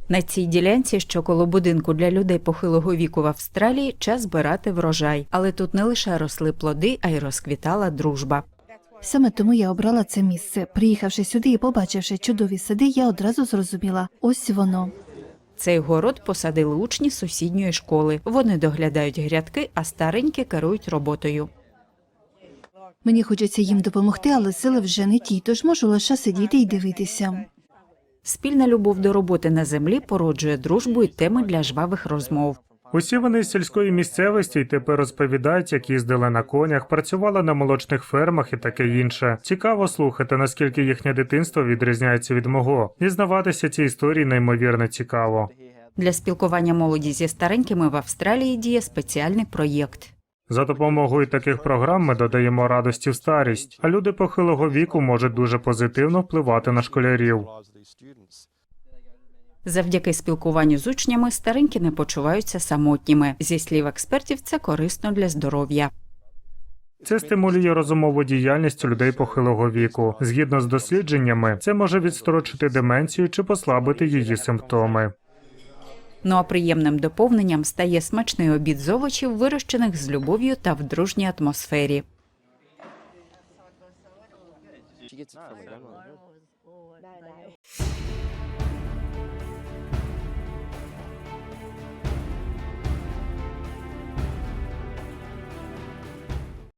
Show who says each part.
Speaker 1: На цій ділянці, що коло будинку для людей похилого віку в Австралії, час збирати врожай. Але тут не лише росли плоди, а й розквітала дружба.
Speaker 2: Саме тому я обрала це місце. Приїхавши сюди і побачивши чудові сади, я одразу зрозуміла – ось воно.
Speaker 1: Цей город посадили учні сусідньої школи. Вони доглядають грядки, а старенькі керують роботою.
Speaker 2: Мені хочеться їм допомогти, але сили вже не ті, тож можу лише сидіти і дивитися.
Speaker 1: Спільна любов до роботи на землі породжує дружбу і теми для жвавих розмов.
Speaker 3: Усі вони з сільської місцевості й тепер розповідають, як їздили на конях, працювали на молочних фермах і таке інше. Цікаво слухати, наскільки їхнє дитинство відрізняється від мого. Дізнаватися ці історії неймовірно цікаво.
Speaker 1: Для спілкування молоді зі старенькими в Австралії діє спеціальний проєкт.
Speaker 3: За допомогою таких програм ми додаємо радості в старість, а люди похилого віку можуть дуже позитивно впливати на школярів.
Speaker 1: Завдяки спілкуванню з учнями старенькі не почуваються самотніми. Зі слів експертів, це корисно для здоров'я.
Speaker 3: Це стимулює розумову діяльність людей похилого віку. Згідно з дослідженнями, це може відстрочити деменцію чи послабити її симптоми.
Speaker 1: Ну а приємним доповненням стає смачний обід з овочів, вирощених з любов'ю та в дружній атмосфері.